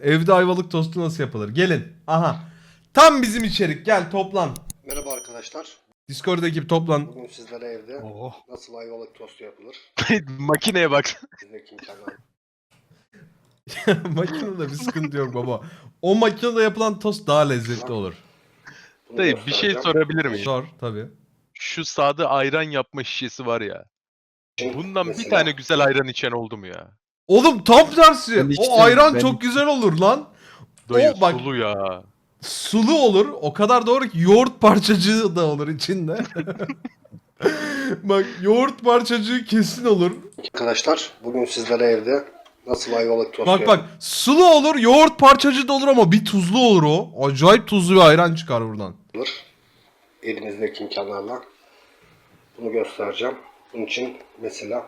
Evde ayvalık tostu nasıl yapılır? Gelin. Aha. Tam bizim içerik. Gel toplan. Merhaba arkadaşlar. Discord ekibi toplan. Bugün sizlere evde Oh. nasıl ayvalık tostu yapılır? Makineye bak. Bizdeki imkanlar. Makinede bir sıkıntı yok baba. O makinede yapılan tost daha lezzetli olur. Bunu Dayı bir şey göstereceğim. sorabilir miyim? Sor tabii. Şu sade ayran yapma şişesi var ya. Şimdi Bundan bir mesela tane güzel ayran içen oldu mu ya? Oğlum tam tersi. Ben içtim, O ayran ben çok güzel olur lan. Dayı O bak sulu ya. sulu olur. O kadar doğru ki yoğurt parçacığı da olur içinde. Bak yoğurt parçacığı kesin olur. Arkadaşlar bugün sizlere evde nasıl ayvalık tostu Bak bak sulu olur, yoğurt parçacığı da olur ama bir tuzlu olur o. Acayip tuzlu bir ayran çıkar buradan. yapılır? Elimizdeki imkanlarla bunu göstereceğim. Bunun için mesela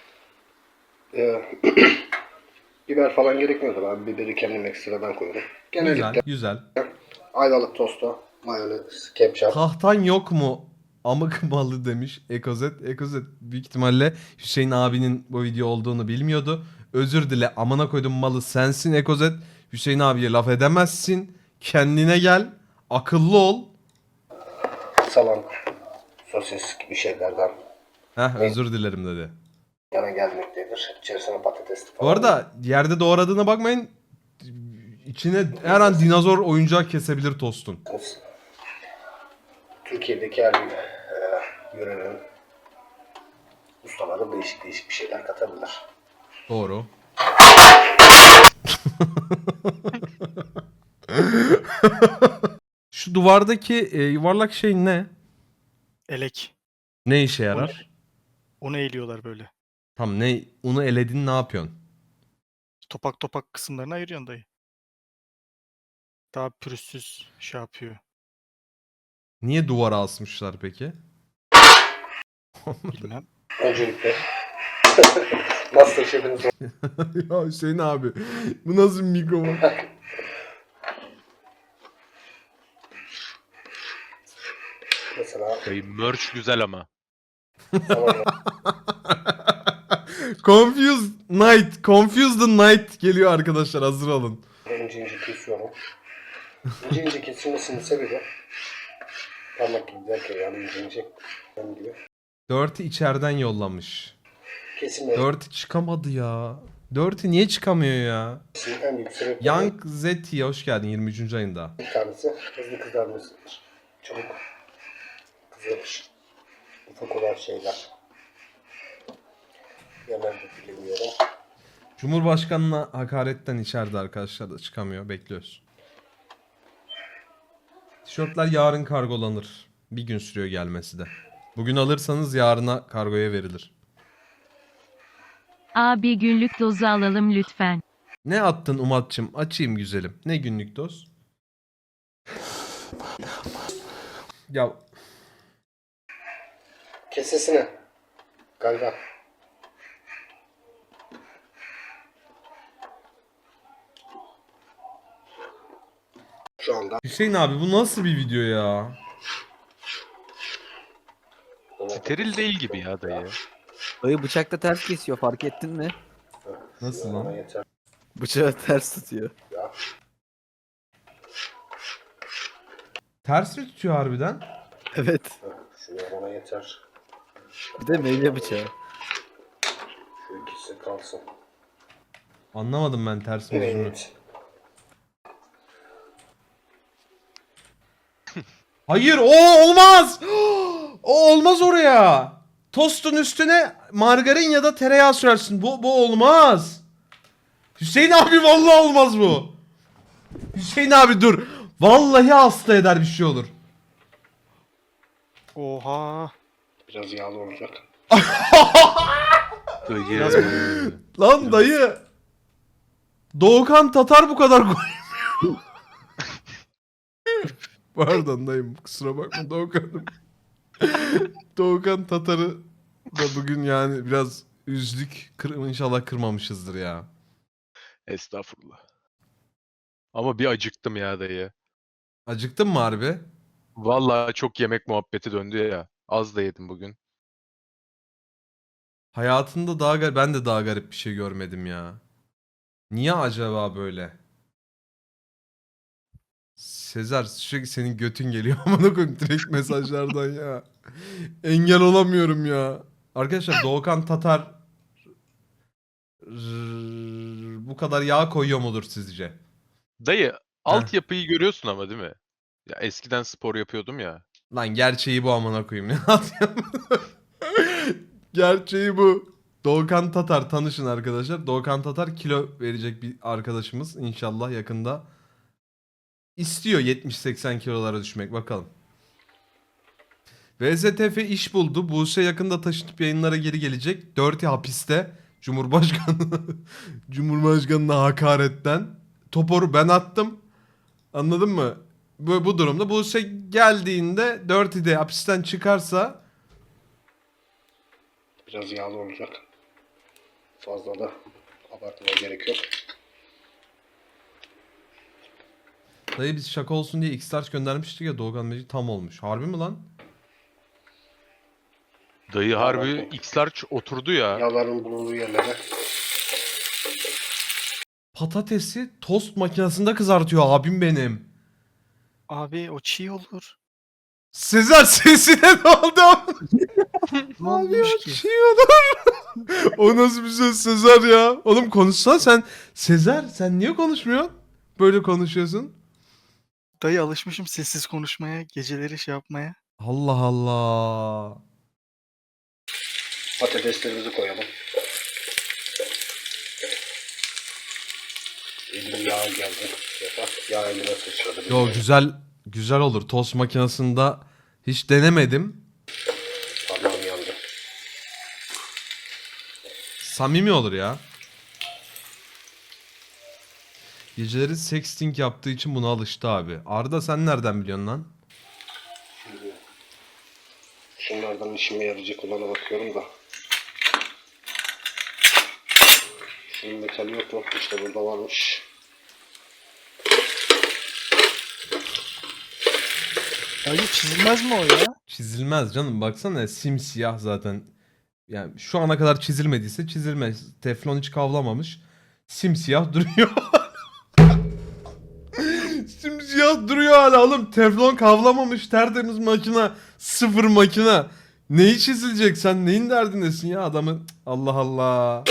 biber falan gerekmiyordu. Ben biberi kendim ekstradan koyuyorum. Güzel, Genellikle güzel. ayvalık tostu, mayonez, ketçap, Tahtan yok mu? Amık malı demiş Ekozet. Ekozet büyük ihtimalle Hüseyin abinin bu video olduğunu bilmiyordu. Özür dile, amına koydum malı sensin Ekozet. Hüseyin abiye laf edemezsin. Kendine gel. Akıllı ol. salam, sosis gibi şeylerden Heh, özür dilerim dedi. yana gelmektedir. İçerisine patates Bu falan. arada yerde doğradığına bakmayın. İçine her an dinozor oyuncağı kesebilir tostun. Türkiye'deki her bir yörenin ustaları değişik değişik bir şeyler katabilir. Doğru. Şu duvardaki yuvarlak şey ne? Elek. Ne işe yarar? Onu eğiliyorlar böyle. Tam ne? Onu eledin ne yapıyorsun? Topak topak kısımlarını ayırıyorsun dayı. Daha pürüzsüz şey yapıyor. Niye duvara asmışlar peki? Bilmem. Öncelikle Masterchef'iniz Ya Hüseyin abi bu nasıl bir mikrofon? mesela Dayı merch güzel ama. zaman Confused Night. Confused the Night geliyor arkadaşlar, hazır olun. ince ince kesiyorum. İnce ince kesilmesinin sebebi parmak gibi derken yani ince ince benim gibi Dirty içeriden yollamış. kesilmesinin Dirty çıkamadı ya. Dirty niye çıkamıyor ya? en büyük sebebi Young Zeti hoş geldin 23. ayında. bir tanesi hızlı kızarmasıdır. Çabuk kızarır. Ufak olan şeyler. Hemen de bilemiyorum. Cumhurbaşkanına hakaretten içeride arkadaşlar da çıkamıyor. Bekliyoruz. Tişörtler yarın kargolanır. Bir gün sürüyor gelmesi de. Bugün alırsanız yarına kargoya verilir. Abi günlük dozu alalım lütfen. Ne attın Umat'cığım? Açayım güzelim. Ne günlük doz? Ya Kesesine. Galiba. Şu anda Hüseyin abi bu nasıl bir video ya? Steril değil gibi ya dayı. Dayı bıçakla ters kesiyor, fark ettin mi? Nasıl bana lan? yeter. Bıçağı ters tutuyor. Ya. Ters mi tutuyor harbiden? Evet. Şuraya bana yeter. Bir de meyve bıçağı. Şu ikisi kalsın. Anlamadım ben ters mi düz mü? Evet. Hayır o olmaz. O olmaz oraya. Tostun üstüne margarin ya da tereyağı sürersin. Bu olmaz. Hüseyin abi vallahi olmaz bu. Hüseyin abi dur. Vallahi hasta eder bir şey olur. Oha. Biraz yağlı olacak. Dayı. Lan dayı. Doğukan Tatar bu kadar koymuyor. Pardon dayım kusura bakma Doğukan'ım. Doğukan Tatar'ı da bugün yani biraz üzdük. İnşallah kırmamışızdır ya. Estağfurullah. Ama bir acıktım ya dayı. Acıktın mı harbi? Vallahi çok yemek muhabbeti döndü ya. Az da yedim bugün. Hayatımda ben de daha garip bir şey görmedim ya. Niye acaba böyle? Sezer sürekli senin götün geliyor amına koyayım direkt mesajlardan ya. Engel olamıyorum ya. Arkadaşlar Doğukan Tatar bu kadar yağ koyuyor mudur sizce? Dayı altyapıyı görüyorsun ama değil mi? Ya eskiden spor yapıyordum ya. Lan gerçeği bu amına koyayım ne atayım? Gerçeği bu. Doğukan Tatar tanışın arkadaşlar. Doğukan Tatar kilo verecek bir arkadaşımız inşallah yakında. İstiyor 70-80 kilolara düşmek bakalım. VZTF iş buldu. Buse yakında taşınıp yayınlara geri gelecek. Dirty hapiste. Cumhurbaşkanı Cumhurbaşkanına hakaretten. Toporu ben attım. Anladın mı? Bu durumda Buse geldiğinde Dirty'de hapisten çıkarsa Biraz yağlı olacak. Fazla da abartmaya gerek yok. dayı biz şaka olsun diye X-Large göndermiştik ya Doğukan Mecid tam olmuş. Harbi mi lan? Dayı harbi X-Large oturdu ya. Yağların bulunduğu yerlere. Patatesi tost makinesinde kızartıyor abim benim. Abi o çiğ olur. Sezer sesine ne oldu? Ne Abi olmuş ya, ki? şey olur. O nasıl bir söz Sezer ya? Oğlum konuşsan sen. Sezer sen niye konuşmuyorsun? Böyle konuşuyorsun. Dayı alışmışım sessiz konuşmaya, geceleri şey yapmaya. Allah Allah. Patateslerimizi koyalım. Elim yağ geldi. Yağ elime sıçradı. Yo güzel olur. Tost makinesinde hiç denemedim. Parmağım yandı. Samimi olur ya. Geceleri sexting yaptığı için buna alıştı abi. Arda sen nereden biliyorsun lan? Şimdi şunlardan işime yarayacak olana bakıyorum da. Şunun metali yok mu? İşte burada varmış. Dayı çizilmez mi o ya? Çizilmez canım baksana simsiyah zaten. Yani şu ana kadar çizilmediyse çizilmez. Teflon hiç kavlamamış. Simsiyah duruyor. Simsiyah duruyor hala oğlum. Teflon kavlamamış tertemiz makina. Sıfır makina. Neyi çizilecek sen neyin derdindesin ya adamın. Allah Allah.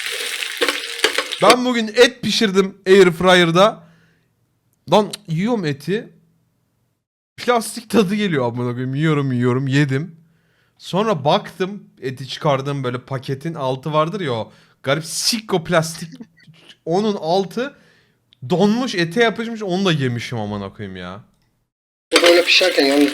Ben bugün et pişirdim Airfryer'da. Lan yiyorum eti. Plastik tadı geliyor amına koyayım. Yiyorum yedim. Sonra baktım eti çıkardım böyle paketin altı vardır ya o garip sikko plastik. Onun altı donmuş ete yapışmış onu da yemişim amına koyayım ya. Bu böyle pişerken yalnız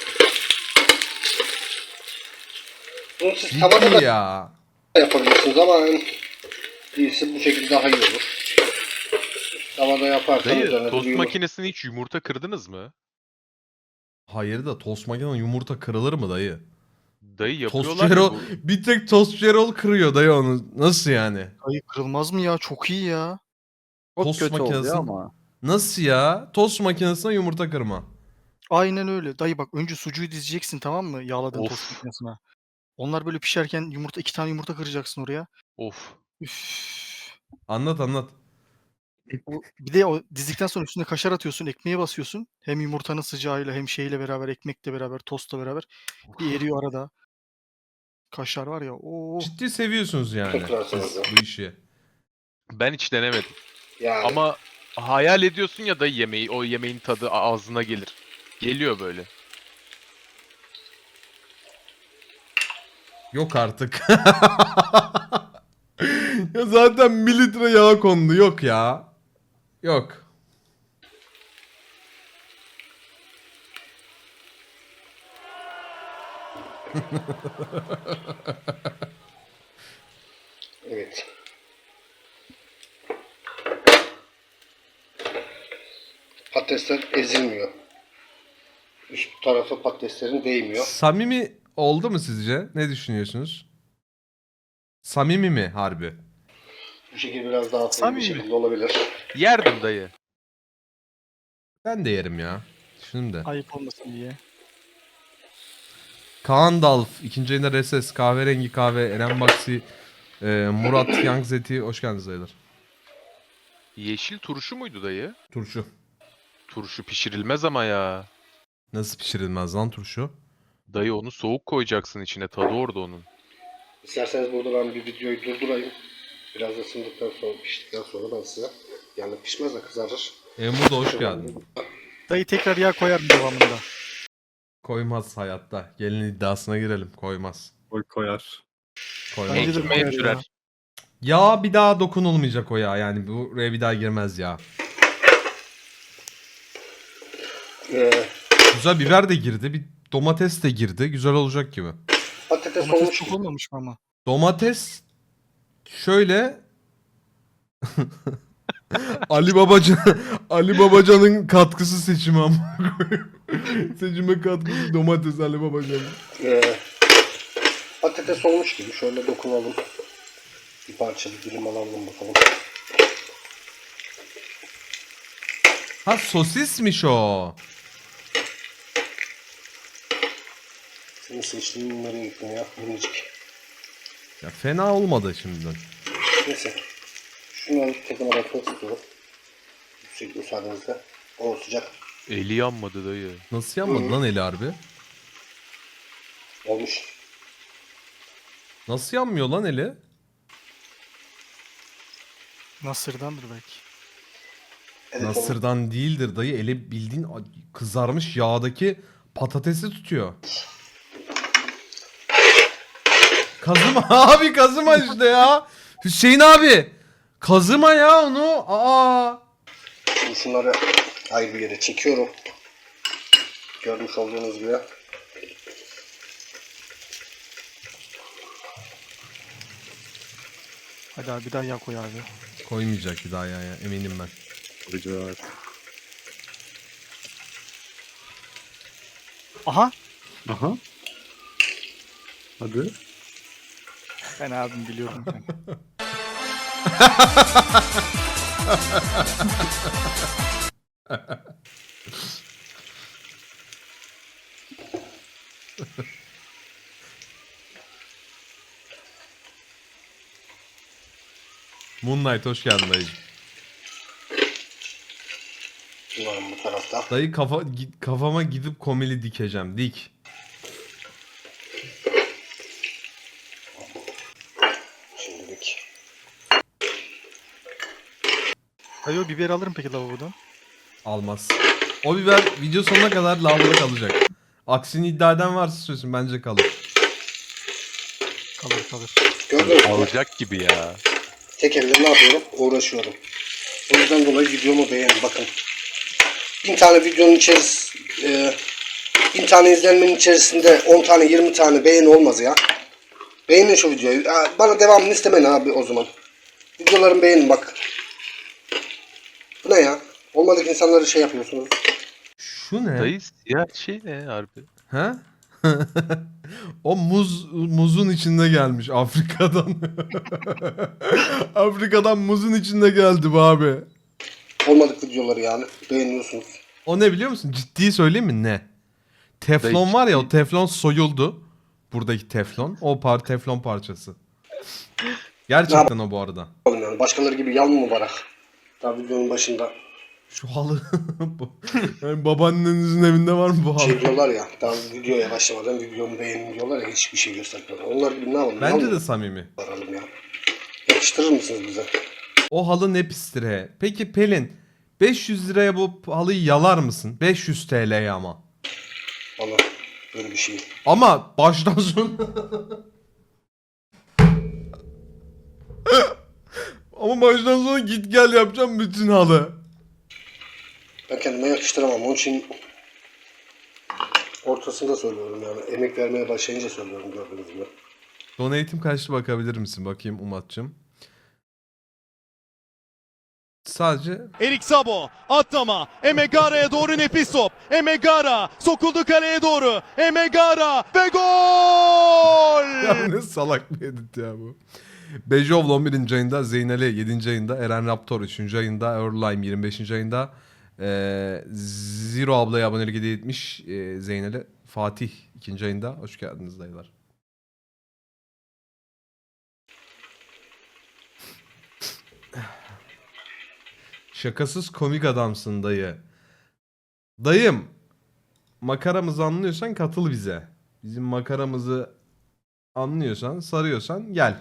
bunu siz tavada Ciddi da ya. yapabilirsiniz ama en iyisi bu şekilde daha iyi olur. Tavada yaparsanız Dayı üzerine tost bir yumurta- makinesine hiç yumurta kırdınız mı? Hayır da tost makineden yumurta kırılır mı dayı? Dayı Tost yapıyorlar ya Erol bu. bir tek tost Erol kırıyor dayı onu. Nasıl yani? Dayı kırılmaz mı ya? Çok iyi ya. Çok Tost kötü oluyor makinesi- ama. Nasıl ya? Tost makinesine yumurta kırma. Aynen öyle. Dayı bak önce sucuğu dizeceksin tamam mı? Yağladığın Of. tost makinesine. Onlar böyle pişerken iki tane yumurta kıracaksın oraya. Of. Üf. Anlat. Bir de o dizdikten sonra üstüne kaşar atıyorsun, ekmeğe basıyorsun. Hem yumurtanın sıcağıyla hem şeyle beraber, ekmekle beraber, tostla beraber bir eriyor arada. Kaşar var ya. Oo. Ciddi seviyorsunuz yani Kırarsınız siz ya. bu işi. Ben hiç denemedim. Yani Ama hayal ediyorsun ya da yemeği, o yemeğin tadı ağzına gelir. Geliyor böyle. Yok artık. Ya zaten mililitre yağ kondu. Yok ya. Yok. evet. Patatesler ezilmiyor. Üst tarafı patateslerin değmiyor. Samimi oldu mu sizce? Ne düşünüyorsunuz? Samimi mi harbi? Bu şekilde biraz daha hafif bir Samimi. şekilde olabilir. Yerdim dayı. Ben de yerim ya. Düşündüm de. Ayıp olmasın diye. Kaan Dalf, ikinci ayında Reses, Kahverengi Kahve, Eren Baksi, Murat Yangzeti. Hoş geldiniz dayılar. Yeşil turşu muydu dayı? Turşu. Turşu pişirilmez ama ya. Nasıl pişirilmez lan turşu? Dayı onu soğuk koyacaksın içine. Tadı orada onun. İsterseniz burada ben bir videoyu durdurayım. Biraz ısındıktan sonra, piştikten sonra ben size, yani pişmez de kızarır. Emre da hoş geldin. Dayı tekrar yağ koyarım devamında. Koymaz hayatta. Gelin iddiasına girelim. Koymaz. Koyar. Koymaz. Bence de Ekmeğe koyar ya. sürer. Ya bir daha dokunulmayacak o ya. Yani buraya bir daha girmez ya. Ee, Güzel biber de girdi. Bir domates de girdi. Güzel olacak gibi. patates Domates olmuş çok gibi. olmamış mı ama? Domates şöyle Ali Babacan Ali Babacan'ın katkısı seçimi ama. Seçime katkısı domates Ali Babacan'ın. Patates olmuş gibi. Şöyle dokunalım. Bir parça bir dilim alalım bakalım. Ha sosismiş o. Senin seçtiğin nereye gittin ya? Minicik. Ya fena olmadı şimdiden. Neyse. Şunu alıp tekrar atmak istiyorum. Yüksek müsaadenizle. O sıcak. Eli yanmadı dayı. Nasıl yanmadı lan eli harbi? Olmuş. Nasıl yanmıyor lan eli? Nasır'dandır belki. Evet, olmuş. Nasırdan değildir dayı. Eli bildiğin kızarmış yağdaki patatesi tutuyor. Kazıma abi kazıma işte ya. Hüseyin abi. Kazıma ya onu. Aa. Şimdi şunları ayrı bir yere çekiyorum. Görmüş olduğunuz gibi. Hadi abi bir daha yağ koy abi. Koymayacak bir daha ya, eminim ben. Koyacak. Aha. Aha. Hadi. Ben abim biliyorum kanka. Moonlight hoş geldin dayıcım. Bunların bu tarafta. Dayı kafama gidip komili dikeceğim. Dik. Şimdilik. Dayı o biberi alırım peki lavabodan. Almaz. O biber video sonuna kadar lavaboda kalacak. Aksini iddia eden varsa söylesin, bence kalır. Kalır kalır. Gördünüz mü? Alacak gibi ya. Tek elle ne yapıyorum? Uğraşıyorum. O yüzden dolayı videomu beğenin. Bakın. 1000 tane videonun içerisinde 1000 tane izlenmenin içerisinde 10 tane 20 tane beğeni olmaz ya. Beğenin şu videoyu. Bana devamını istemeyin abi o zaman. Videolarımı beğenin bak. Bu ne ya? Olmadık insanları şey yapıyorsunuz. Şu ne? Dayı siyah şey ne harbi? Ha? O muzun içinde gelmiş Afrika'dan. Afrika'dan muzun içinde geldi bu abi. Olmadık videoları yani. Beğeniyorsunuz. O ne biliyor musun? Ciddi söyleyeyim mi? Ne? Teflon Dayı, var ya, o teflon soyuldu. Buradaki teflon. O teflon parçası. Gerçekten o bu arada. Yani başkaları gibi yalın mı barak? Daha videonun başında Şu halı. Yani babaannenizin evinde var mı bu halı? şey diyorlar ya. Daha videoya başlamadan videomu beğenin diyorlar ya. Hiçbir şey göstermiyorlar. Onlar gibi ne yapalım? Bence Yalın de mı samimi. varalım ya. Yakıştırır mısınız bize? O halı ne pistir he. Peki Pelin, 500 liraya bu halıyı yalar mısın? 500 TL'ye ama. Valla böyle bir şey. Ama baştan sona... Ama baştan sona git gel yapacağım bütün halı. Ben kendime yakıştıramam. Onun için ortasında söylüyorum yani. Emek vermeye başlayınca söylüyorum gördüğünüz gibi. Donate'im kaçtı, bakabilir misin? Bakayım Umat'cığım. Sadece Erik Sabo atlama. Emegara'ya doğru nefis top. Emegara sokuldu kaleye doğru. Emegara ve gol! ya ne salak bir edit ya bu. Bejovl 11. ayında, Zeynel'e 7. ayında, Eren Raptor 3. ayında, Erlime 25. ayında, Zero ablaya abonelik hediye etmiş, Zeynel'e Fatih 2. ayında. Hoş geldiniz dayılar. Şakasız komik adamsın dayı. Dayım, makaramızı anlıyorsan katıl bize. Bizim makaramızı anlıyorsan, sarıyorsan gel.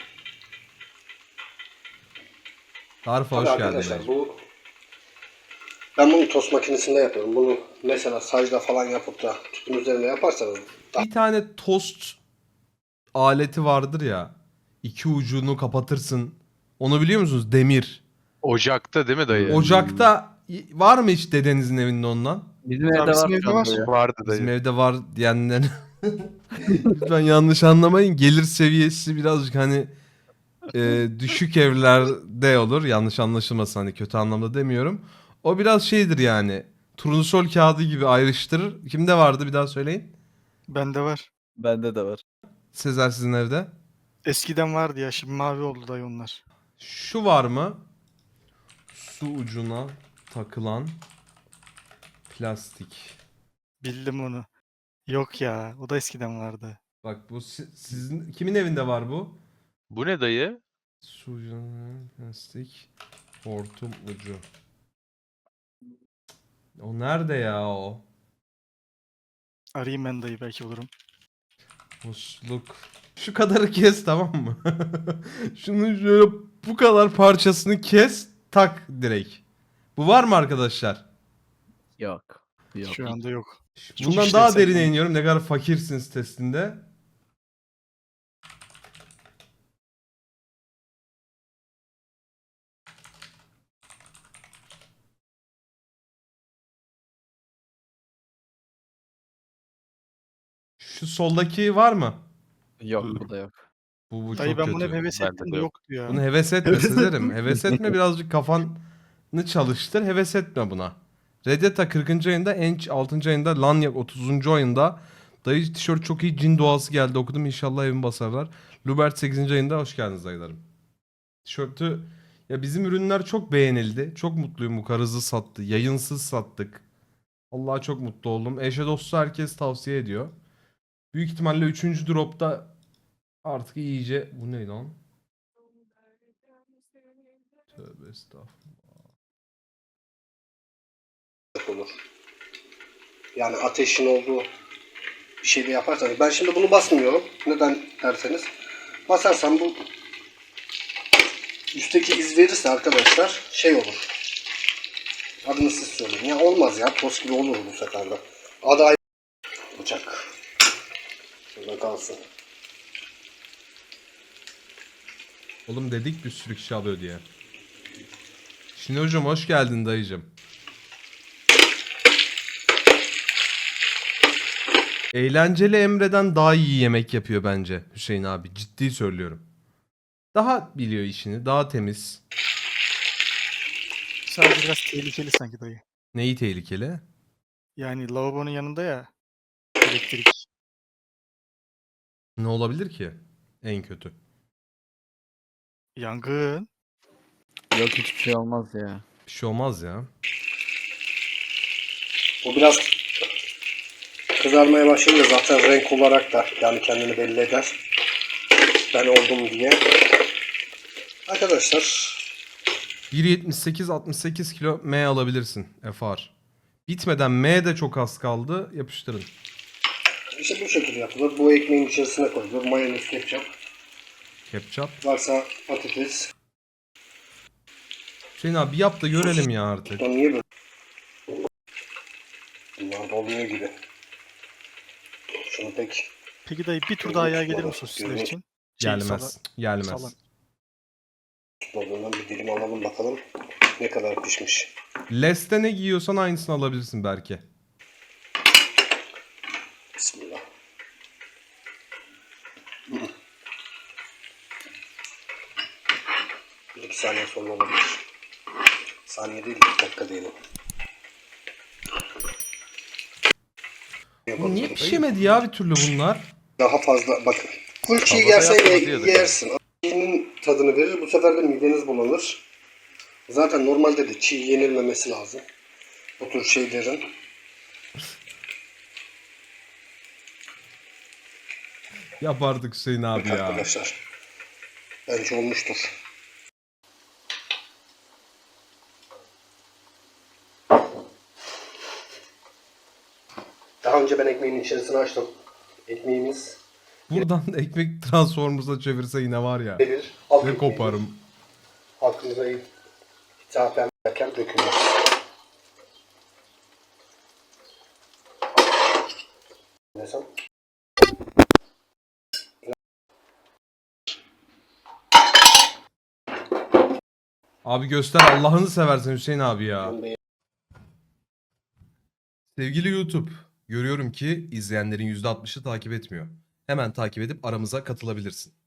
Tarife Tabii hoş geldin arkadaşlar dayıcım. ben bunu tost makinesinde yapıyorum. Bunu mesela sacda falan yapıp da tüpün üzerine yaparsanız Bir tane tost aleti vardır ya. İki ucunu kapatırsın. Onu biliyor musunuz? Demir. Ocakta değil mi dayı? Ocakta var mı hiç dedenizin evinde ondan? Bizim Tabii evde bizim var evde şu anda var. ya. Vardı Bizim dayı. evde var diyenlerin lütfen yanlış anlamayın. Gelir seviyesi birazcık hani düşük evlerde olur. Yanlış anlaşılmasın, hani kötü anlamda demiyorum. O biraz şeydir yani. Turnusol kağıdı gibi ayrıştırır. Kimde vardı bir daha söyleyin. Bende var. Bende de var. Sezer sizin evde. Eskiden vardı ya, şimdi mavi oldu dayı onlar. Şu var mı? Su ucuna takılan plastik. Bildim onu. Yok ya, o da eskiden vardı. Bak bu sizin kimin evinde var bu? Bu ne dayı? Su ucuna plastik hortum ucu. O nerede ya o? Arayayım ben dayı, belki bulurum. Musluk. Şu kadarı kes, tamam mı? Şunu şöyle bu kadar parçasını kes, tak direkt. Bu var mı arkadaşlar? Yok. Yok. Şu anda yok. Çok Bundan işlevsel daha derine yani. iniyorum. Ne kadar fakirsiniz testinde. Şu soldaki var mı? Yok bu da yok. Bu Dayı çok ben bunu hep kötü. heves Bende ettim de de yok. yoktu ya. Bunu heves etme Sezer'im. Heves etme, birazcık kafanı çalıştır. Heves etme buna. Reddeta 40. ayında, Ench 6. ayında, Lanyak 30. ayında. Dayı tişört çok iyi, cin doğası geldi okudum, inşallah evimi basarlar. Lubert 8. ayında, hoş geldiniz dayılarım. Tişörtü, ya bizim ürünler çok beğenildi. Çok mutluyum, bu kadar hızlı sattı. Yayınsız sattık. Vallahi çok mutlu oldum. Eşe dostu herkes tavsiye ediyor. Büyük ihtimalle 3. dropta artık iyice... Bu ne lan? Tövbe estağfurullah. olur. Yani ateşin olduğu bir şeyde yaparsanız. Ben şimdi bunu basmıyorum. Neden derseniz. Basarsam bu üstteki iz verirse arkadaşlar şey olur. Adını siz söyleyin. Ya olmaz ya. Toz gibi olur bu sefer de. Adı ayrı. Bıçak. Şurada kalsın. Oğlum dedik bir sürü kişi alıyor diye. Şimdi hocam hoş geldin dayıcım. Eğlenceli Emre'den daha iyi yemek yapıyor bence Hüseyin abi. Ciddi söylüyorum. Daha biliyor işini, daha temiz. Sadece biraz tehlikeli sanki dayı. Neyi tehlikeli? Yani lavabonun yanında ya, elektrik. Ne olabilir ki? En kötü. Yangın. Yok hiçbir şey olmaz ya. Bir şey olmaz ya. O biraz kızarmaya başlayınca zaten renk olarak da yani kendini belli eder. Ben oldum diye. Arkadaşlar 1.78-68 kilo M alabilirsin FR. Bitmeden M de çok az kaldı. Yapıştırın. işte bu şekilde yapılır. Bu ekmeğin içerisine koyulur. Mayonez, ketçap. Ketçap. Varsa patates. Hüseyin abi yap da görelim ya artık. Bunlar niye böyle? Bunlar doluyor gibi. Şunu pek Peki dayı bir tur daha yağ gelir mi sosisler için? Gelmez. Salam. Gelmez. tutmadığından bir dilim alalım bakalım ne kadar pişmiş. Leste ne giyiyorsan aynısını alabilirsin belki. Bismillah. Bir iki saniye sonra olabilir. Saniye değil, dakika diyelim. Bu niye pişemedi ya bir türlü bunlar? Daha fazla bakın. Full çiğ Havada yersen yapma diyordu. yersin. Çiğnin tadını verir. Bu sefer de mideniz bulanır. Zaten normalde de çiğ yenilmemesi lazım. Bu tür şeylerin. Yapardık Hüseyin abi ya. Arkadaşlar. Bence olmuştur. Daha önce ben ekmeğin içerisine açtım. Ekmeğimiz Buradan da ekmek Transformers'a çevirse yine var ya. gelir. Halk Ne ekmeği koparım. halkımıza hitaben derken dökülmez. Desem. Abi göster Allah'ını seversen Hüseyin abi ya. Sevgili YouTube, görüyorum ki izleyenlerin %60'ı takip etmiyor. Hemen takip edip aramıza katılabilirsin.